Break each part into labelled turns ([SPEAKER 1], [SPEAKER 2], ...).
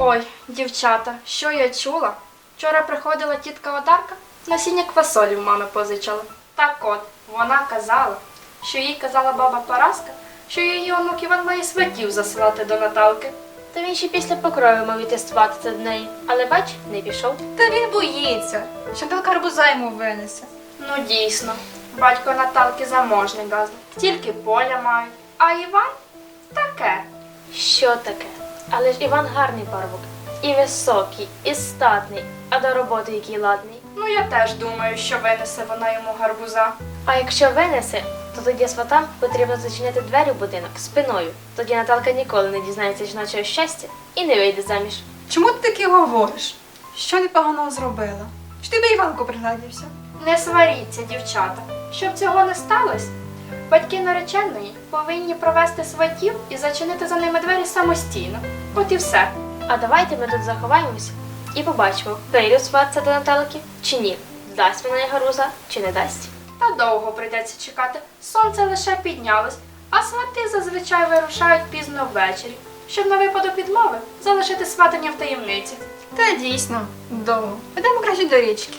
[SPEAKER 1] Ой, дівчата, що я чула? Вчора приходила тітка Одарка, насіння квасолі в мами позичала. Так от, вона казала, що їй казала баба Параска, що її онук Іван має сватів засилати до Наталки.
[SPEAKER 2] Та він ще після покрою мав іти сватати до неї, але бач, не пішов.
[SPEAKER 3] Та він боїться, що Наталка гарбуза йому винесе.
[SPEAKER 1] Ну дійсно, батько Наталки заможний газник, тільки поля мають, а Іван таке.
[SPEAKER 2] Що таке? Але ж Іван гарний парубок. І високий, і статний, а до роботи який ладний.
[SPEAKER 1] Ну я теж думаю, що винесе вона йому гарбуза.
[SPEAKER 2] А якщо винесе, то тоді сватам потрібно зачиняти двері в будинок спиною. Тоді Наталка ніколи не дізнається жіночого щастя і не вийде заміж.
[SPEAKER 3] Чому ти таке говориш? Що непоганого зробила? Чи ти би Іванку пригладився?
[SPEAKER 1] Не сваріться, дівчата. Щоб цього не сталося, батьки нареченої повинні провести сватів і зачинити за ними двері самостійно. От і все.
[SPEAKER 2] А давайте ми тут заховаємося і побачимо, прийде сватця до Наталки чи ні. Дасть вона їй гарбуза чи не дасть.
[SPEAKER 1] Та довго прийдеться чекати. Сонце лише піднялось, а свати зазвичай вирушають пізно ввечері, щоб на випадок відмови залишити сватання в таємниці.
[SPEAKER 3] Та дійсно, довго. Підемо краще до річки.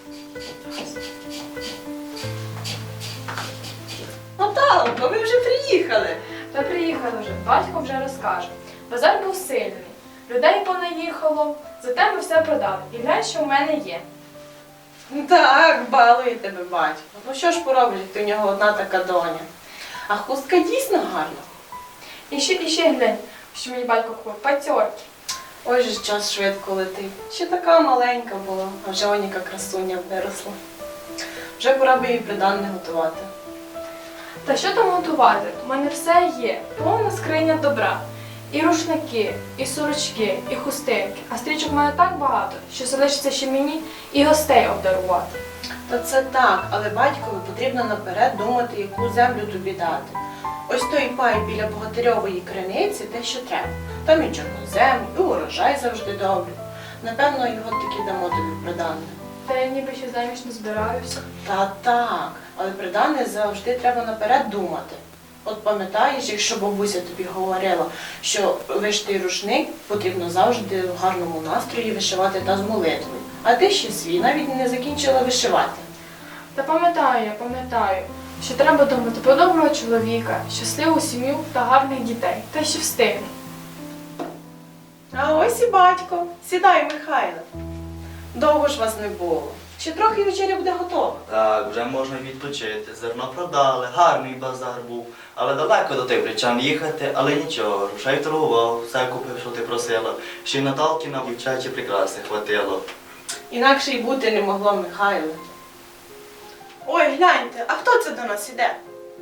[SPEAKER 4] Наталко, ви вже приїхали.
[SPEAKER 5] Та приїхали вже, батько вже розкаже. Базар був сильний, людей понаїхало, зате ми все продали. І глянь, що в мене є.
[SPEAKER 4] Так, балує тебе батько. Ну що ж поробиш, ти у нього одна така доня. А хустка дійсно гарна.
[SPEAKER 5] І ще глянь, що мені батько купив, пацьорки.
[SPEAKER 4] Ой же ж час швидко летить. Ще така маленька була, а вже оніка красуня виросла. Вже пора би їй приданне готувати.
[SPEAKER 5] Та що там готувати? У мене все є, повна скриня добра. І рушники, і сорочки, і хустинки. А стрічок в мене так багато, що залишиться ще мені і гостей обдарувати.
[SPEAKER 4] Та це так, але батькові потрібно наперед думати, яку землю тобі дати. Ось той пай біля Богатирьової криниці те, що треба. Там і чорнозем, і урожай завжди добрий. Напевно, його таки дамо тобі приданне.
[SPEAKER 5] Та я ніби ще заміж не збираюся.
[SPEAKER 4] Та так, але приданне завжди треба наперед думати. От пам'ятаєш, якщо бабуся тобі говорила, що вишитий рушник потрібно завжди в гарному настрої вишивати та з молитвою. А ти ще свій навіть не закінчила вишивати.
[SPEAKER 5] Та пам'ятаю, що треба думати про доброго чоловіка, щасливу сім'ю та гарних дітей. Та ще встигну.
[SPEAKER 4] А ось і батько. Сідай, Михайле. Довго ж вас не було. Ще трохи і вечеря буде готова.
[SPEAKER 6] Так, вже можна відпочити. Зерно продали, гарний базар був. Але далеко до тих причам їхати, але нічого. Рушай торгував, все купив, що ти просила. Ще й Наталки на дівчачі прикраси хватило.
[SPEAKER 4] Інакше й бути не могло, Михайле. Ой, гляньте, а хто це до нас іде?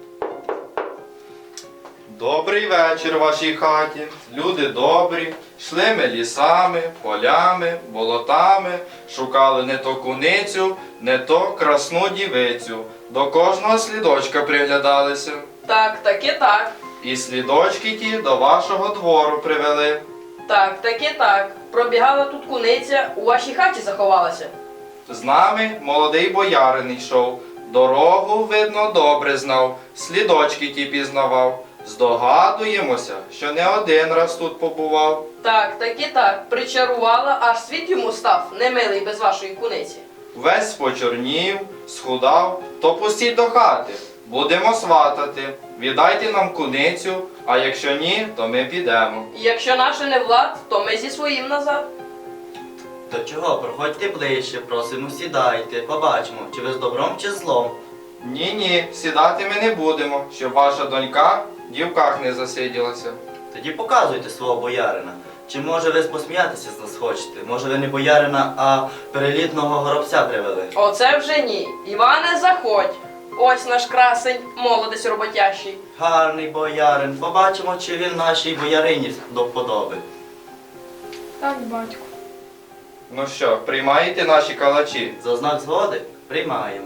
[SPEAKER 7] Добрий вечір вашій хаті. Люди добрі. Йшли ми лісами, полями, болотами, шукали не то куницю, не то красну дівицю. До кожного слідочка приглядалися.
[SPEAKER 8] Так, таки так.
[SPEAKER 7] І слідочки ті до вашого двору привели.
[SPEAKER 8] Так, таки так. Пробігала тут куниця, у вашій хаті заховалася.
[SPEAKER 7] З нами молодий боярин йшов. Дорогу, видно, добре знав, слідочки ті пізнавав. Здогадуємося, що не один раз тут побував.
[SPEAKER 8] Так, таки так. Причарувала, аж світ йому став, немилий без вашої куниці.
[SPEAKER 7] Весь почорнів, схудав, то пустіть до хати. Будемо сватати. Віддайте нам куницю, а якщо ні, то ми підемо.
[SPEAKER 8] І якщо наше не влад, то ми зі своїм назад.
[SPEAKER 6] То чого, проходьте ближче, просимо, сідайте, побачимо, чи ви з добром, чи з злом.
[SPEAKER 7] Ні, сідати ми не будемо, щоб ваша донька в дівках не засиділася.
[SPEAKER 6] Тоді показуйте свого боярина. Чи може ви посміятися з нас хочете? Може ви не боярина, а перелітного горобця привели?
[SPEAKER 8] Оце вже ні. Іване, заходь. Ось наш красень, молодець роботящий.
[SPEAKER 6] Гарний боярин, побачимо, чи він нашій боярині до вподоби.
[SPEAKER 5] Так, батько.
[SPEAKER 7] Ну що, приймаєте наші калачі?
[SPEAKER 6] За знак згоди приймаємо.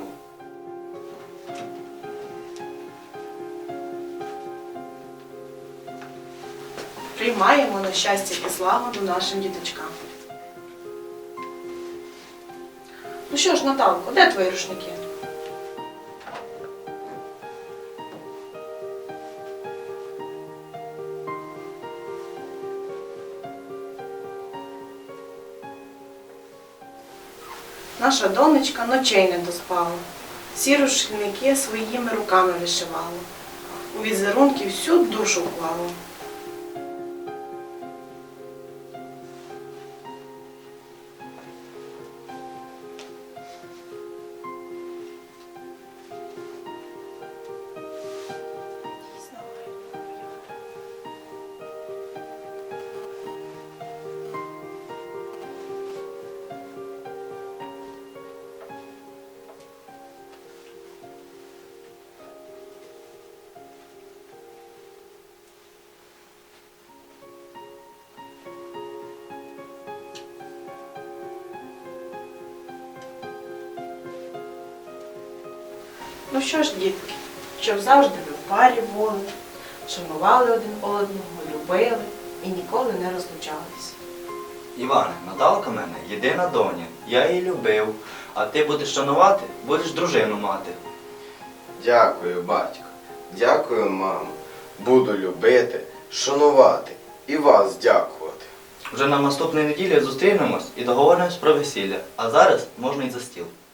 [SPEAKER 4] Приймаємо на щастя і злагоду нашим діточкам. Ну що ж, Наталко, де твої рушники? Наша донечка ночей не доспала. Всі рушники своїми руками вишивала. У візерунки всю душу вклала. Ну що ж, дітки, щоб завжди ви в парі були, шанували один одного, любили і ніколи не розлучалися.
[SPEAKER 6] Іване, Наталка в мене єдина доня. Я її любив, а ти будеш шанувати, будеш дружину мати.
[SPEAKER 9] Дякую, батько. Дякую, мамо. Буду любити, шанувати і вас дякувати.
[SPEAKER 6] Вже на наступній неділі зустрінемось і договоримось про весілля. А зараз можна й за стіл.